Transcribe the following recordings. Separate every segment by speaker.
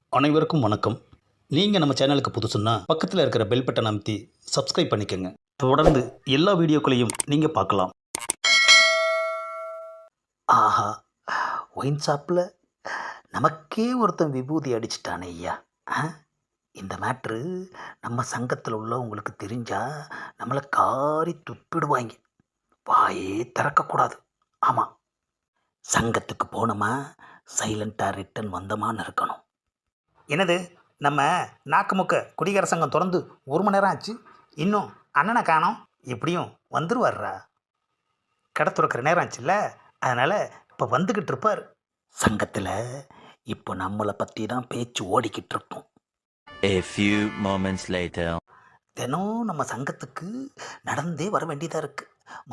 Speaker 1: அனைவருக்கும் வணக்கம். நீங்கள் நம்ம சேனலுக்கு புதுசுன்னா பக்கத்தில் இருக்கிற பெல் பட்டன் அமைத்தி சப்ஸ்கிரைப் பண்ணிக்கோங்க. தொடர்ந்து எல்லா வீடியோக்களையும் நீங்கள் பார்க்கலாம். ஆஹா, ஒயின் ஷாப்பில் நமக்கே ஒருத்தன் விபூதி அடிச்சிட்டானே ஐயா. இந்த மேட்ரு நம்ம சங்கத்தில் உள்ளவங்களுக்கு தெரிஞ்சால் நம்மளை காரி துப்பிடுவாங்க. வாயே திறக்கக்கூடாது. ஆமாம், சங்கத்துக்கு போனோமா சைலண்ட்டாக ரிட்டன் வந்தோமான்னு இருக்கணும். என்னது, நம்ம நாக்குமுக்க குடிகார சங்கம் திறந்து 1 மணி நேரம் ஆச்சு, இன்னும் அண்ணனை காணோம். எப்படியும் வந்துருவார்ரா. கடை துறக்கிற நேரம் ஆச்சுல்ல, அதனால் இப்போ வந்துக்கிட்டு இருப்பார். சங்கத்தில் இப்போ நம்மளை பற்றி தான் பேச்சு ஓடிக்கிட்டு இருக்கோம்.
Speaker 2: A few moments later.
Speaker 1: தினம் நம்ம சங்கத்துக்கு நடந்தே வர வேண்டியதாக இருக்குது.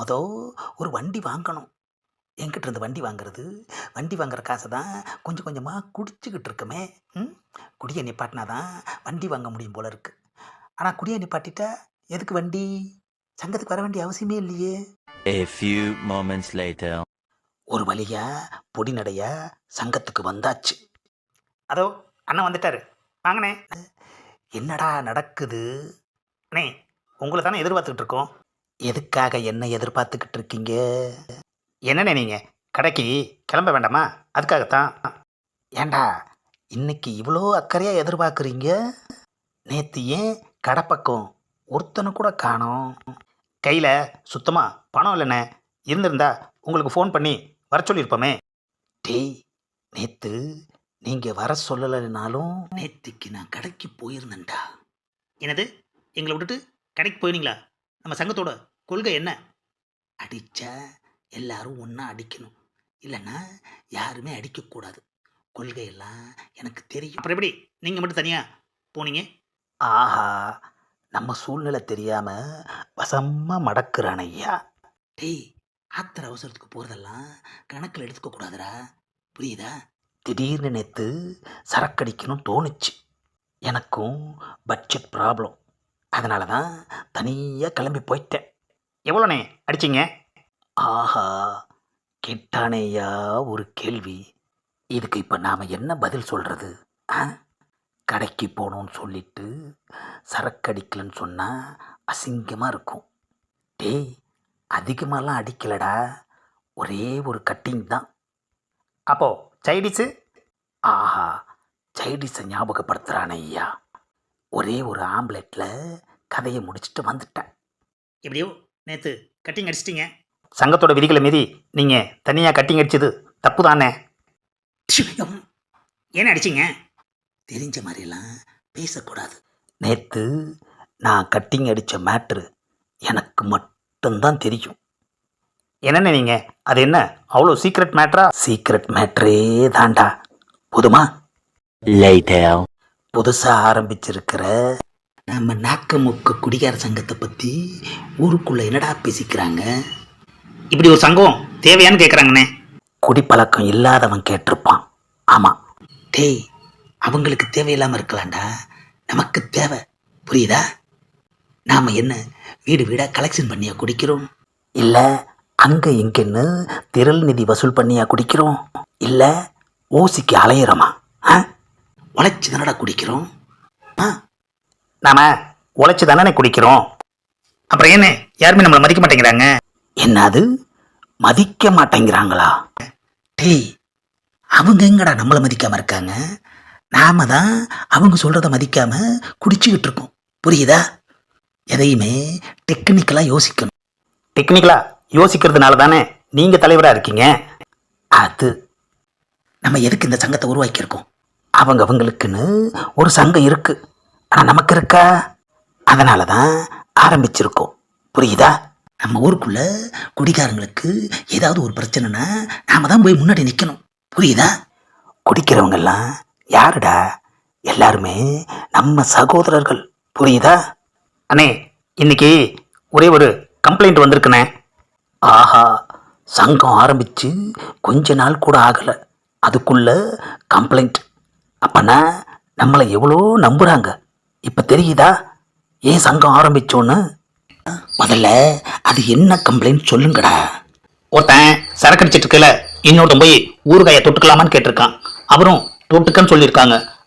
Speaker 1: ஒரு வண்டி வாங்கணும். என்கிட்ட இருந்து வண்டி வாங்குற காசை தான் கொஞ்சம் கொஞ்சமாக குடிச்சிக்கிட்டு இருக்கமே. குடியை நிப்பாட்டினா தான் வண்டி வாங்க முடியும் போல இருக்குது. ஆனால் குடியை நிப்பாட்டிட்டா எதுக்கு வண்டி? சங்கத்துக்கு வர வேண்டிய அவசியமே இல்லையே.
Speaker 2: A few moments later.
Speaker 1: ஒரு வழியா பொடி நடையா சங்கத்துக்கு வந்தாச்சு. அதோ அண்ணன் வந்துட்டாரு, வாங்கண்ணே. என்னடா நடக்குது? அண்ணே, உங்களை தானே எதிர்பார்த்துக்கிட்டு இருக்கோம். எதுக்காக என்ன எதிர்பார்த்துக்கிட்டு இருக்கீங்க? என்னண்ணே, நீங்கள் கடைக்கு கிளம்ப வேண்டாமா? அதுக்காகத்தான். ஏண்டா இன்னைக்கு இவ்வளோ அக்கறையாக எதிர்பார்க்குறீங்க? நேற்று ஏன் கடை பக்கம் ஒருத்தனை கூட காணோம்? கையில் சுத்தமாக பணம் இல்லைண்ணே. இருந்திருந்தா உங்களுக்கு ஃபோன் பண்ணி வர சொல்லியிருப்போமே. டேய், நேற்று நீங்கள் வர சொல்லலைனாலும் நேற்றுக்கு நான் கடைக்கு போயிருந்தேன்டா. என்னது, எங்களை விட்டுட்டு கடைக்கு போயிருந்தீங்களா? நம்ம சங்கத்தோட கொள்கை என்ன? அடித்தா எல்லாரும் ஒன்றா அடிக்கணும், இல்லைன்னா யாருமே அடிக்கக்கூடாது. கொள்கையெல்லாம் எனக்கு தெரியும். அப்புறம் எப்படி நீங்கள் மட்டும் தனியாக போனீங்க? ஆஹா, நம்ம சூழ்நிலை தெரியாமல் வசமாக மடக்குறான் ஐயா. டேய், ஆத்திர அவசரத்துக்கு போகிறதெல்லாம் கணக்கில் எடுத்துக்கக்கூடாதுடா, புரியுதா? திடீர்னு நேற்று சரக்கடிக்கணும் தோணுச்சு. எனக்கும் பட்ஜெட் ப்ராப்ளம், அதனால தான் தனியாக கிளம்பி போயிட்டேன். எவ்வளோண்ணே அடிச்சிங்க? ஆஹா, கேட்டானேயா ஒரு கேள்வி. இதுக்கு இப்போ நாம் என்ன பதில் சொல்கிறது? கடைக்கு போகணுன்னு சொல்லிட்டு சரக்கடிக்கலன்னு சொன்னால் அசிங்கமாக இருக்கும். டேய், அதிகமாகலாம் அடிக்கலடா, ஒரே ஒரு கட்டிங் தான். அப்போது சைடிஸு? ஆஹா, சைடிஸை ஞாபகப்படுத்துகிறானே ஐயா. ஒரே ஒரு ஆம்லெட்டில் கதையை முடிச்சுட்டு வந்துட்டேன். எப்படியோ நேற்று கட்டிங் அடிச்சிட்டிங்க. சங்கத்தோட விதிகளை மீறி நீங்கள் தனியாக கட்டிங் அடிச்சது தப்பு தானே? ஏன்னு அடிச்சிங்க? தெரிஞ்ச மாதிரிலாம் பேசக்கூடாது. நேற்று நான் கட்டிங் அடித்த மேட்ரு எனக்கு மட்டும்தான் தெரியும். என்னென்ன நீங்கள், அது என்ன அவ்வளோ சீக்ரெட் மேட்ரா? சீக்ரெட் மேட்ரே தாண்டா. போதுமா?
Speaker 2: Later.
Speaker 1: புதுசாக ஆரம்பிச்சிருக்கிற நம்ம நாக்கமுக்க குடிகார சங்கத்தை பற்றி ஊருக்குள்ளே என்னடா பேசிக்கிறாங்க? இப்படி ஒரு சங்கம் தேவையான்னு கேட்குறாங்கண்ணே. குடிப்பழக்கம் இல்லாதவன் கேட்டிருப்பான். ஆமாம். டேய், அவங்களுக்கு தேவையில்லாமல் இருக்கலாம்டா, நமக்கு தேவை, புரியுதா? நாம் என்ன வீடு வீடாக கலெக்ஷன் பண்ணியா குடிக்கிறோம்? இல்லை அங்கே இங்கேன்னு திரள் நிதி வசூல் பண்ணியா குடிக்கிறோம்? இல்லை ஓசிக்கு அலையிறோமா? உழைச்சி தானடா குடிக்கிறோம். நாம் உழைச்சி தானே குடிக்கிறோம். அப்புறம் என்ன யாருமே நம்மளை மதிக்க மாட்டேங்கிறாங்க? என்னது, மதிக்க மாட்டேங்கிறாங்களா? டேய், அவங்க எங்கடா நம்மளை மதிக்காமல் இருக்காங்க? நாம தான் அவங்க சொல்கிறத மதிக்காமல் குடிச்சிக்கிட்டு இருக்கோம், புரியுதா? எதையுமே டெக்னிக்கலாக யோசிக்கணும். டெக்னிக்கலாக யோசிக்கிறதுனால தானே நீங்கள் தலைவராக இருக்கீங்க. அது நம்ம எதுக்கு இந்த சங்கத்தை உருவாக்கியிருக்கோம்? அவங்களுக்குன்னு ஒரு சங்கம் இருக்குது, ஆனால் நமக்கு இருக்கா? அதனால தான் ஆரம்பிச்சிருக்கோம், புரியுதா? நம்ம ஊருக்குள்ளே குடிகாரங்களுக்கு ஏதாவது ஒரு பிரச்சனைனா நாம் தான் போய் முன்னாடி நிற்கணும், புரியுதா? குடிக்கிறவங்கெல்லாம் யாருடா? எல்லாருமே நம்ம சகோதரர்கள், புரியுதா? அண்ணே, இன்னைக்கு ஒரே ஒரு கம்ப்ளைண்ட் வந்திருக்குண்ணே. ஆஹா, சங்கம் ஆரம்பித்து கொஞ்ச நாள் கூட ஆகலை, அதுக்குள்ளே கம்ப்ளைண்ட். அப்போனா நம்மளை எவ்வளோ நம்புகிறாங்க இப்போ தெரியுதா? ஏன் சங்கம் ஆரம்பித்தோன்னு? முதல்ல அது என்ன கம்ப்ளைண்ட் சொல்லுங்கடா. ஒருத்தன் சரக்கு அடிச்சிட்டு இருக்கல, இன்னொருத்தன் போய் ஊறுகாயை தொட்டுக்கலாமான்னு கேட்டிருக்கான். அவரும் தொட்டுக்கன்னு சொல்லியிருக்காங்க.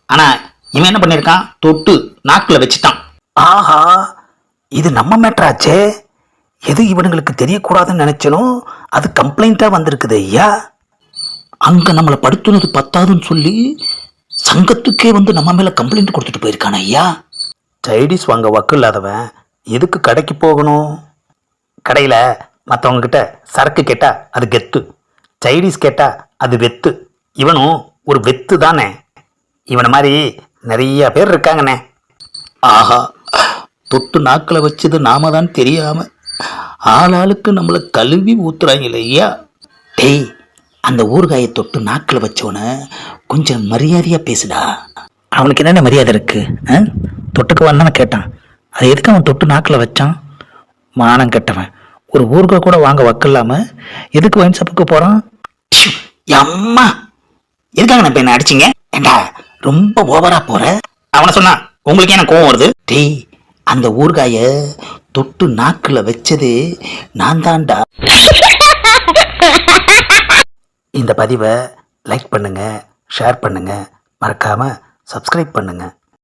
Speaker 1: ஆனால் இவன் என்ன பண்ணியிருக்கான், தொட்டு நாக்கில் வச்சுட்டான். ஆஹா, இது நம்ம மேட்ராச்சே. எது இவனுங்களுக்கு தெரியக்கூடாதுன்னு நினைச்சனோ அது கம்ப்ளைண்ட்டாக வந்திருக்குது ஐயா. அங்கே நம்மளை படுத்துனது பத்தாதுன்னு சொல்லி சங்கத்துக்கே வந்து நம்ம மேலே கம்ப்ளைண்ட் கொடுத்துட்டு போயிருக்கானே ஐயா. சைடிஸ் வாங்க வக்கு இல்லாதவன் எதுக்கு கடைக்கு போகணும்? கடையில் மற்றவங்கக்கிட்ட சரக்கு கேட்டால் அது கெத்து, சைடிஸ் கேட்டால் அது வெத்து. இவனும் ஒரு வெத்து தானே. இவனை மாதிரி நிறைய பேர் இருக்காங்கண்ணே. ஆஹா, தொட்டு நாக்கில் வச்சது நாம தான் தெரியாமல் ஆளாளுக்கு நம்மளை கழுவி ஊத்துறாங்களே ஐயா. டேய், அந்த ஊறுகாயை தொட்டு நாக்கில் வச்சவனை கொஞ்சம் மரியாதையாக பேசுடா. அவனுக்கு என்னென்ன மரியாதை இருக்கு? தொட்டுக்கு வந்தானே கேட்டான், அது எதுக்கு அவன் தொட்டு நாக்கில் வச்சான்? மானம் கெட்டவன், ஒரு ஊறுகாய் கூட வாங்க வக்கில்லாம எதுக்கு ஒயின் ஷாப்புக்கு போகிறான்? அம்மா, எதுக்காக நான் இப்போ என்ன அடிச்சிங்க? ஏண்டா ரொம்ப ஓவரா போற. அவனை சொன்னா உங்களுக்கு என்ன கோவம் வருது? டேய், அந்த ஊறுகாய தொட்டு நாக்குல வச்சது நான் தான்டா. இந்த பதிவை லைக் பண்ணுங்க, ஷேர் பண்ணுங்க, மறக்காம சப்ஸ்கிரைப் பண்ணுங்க.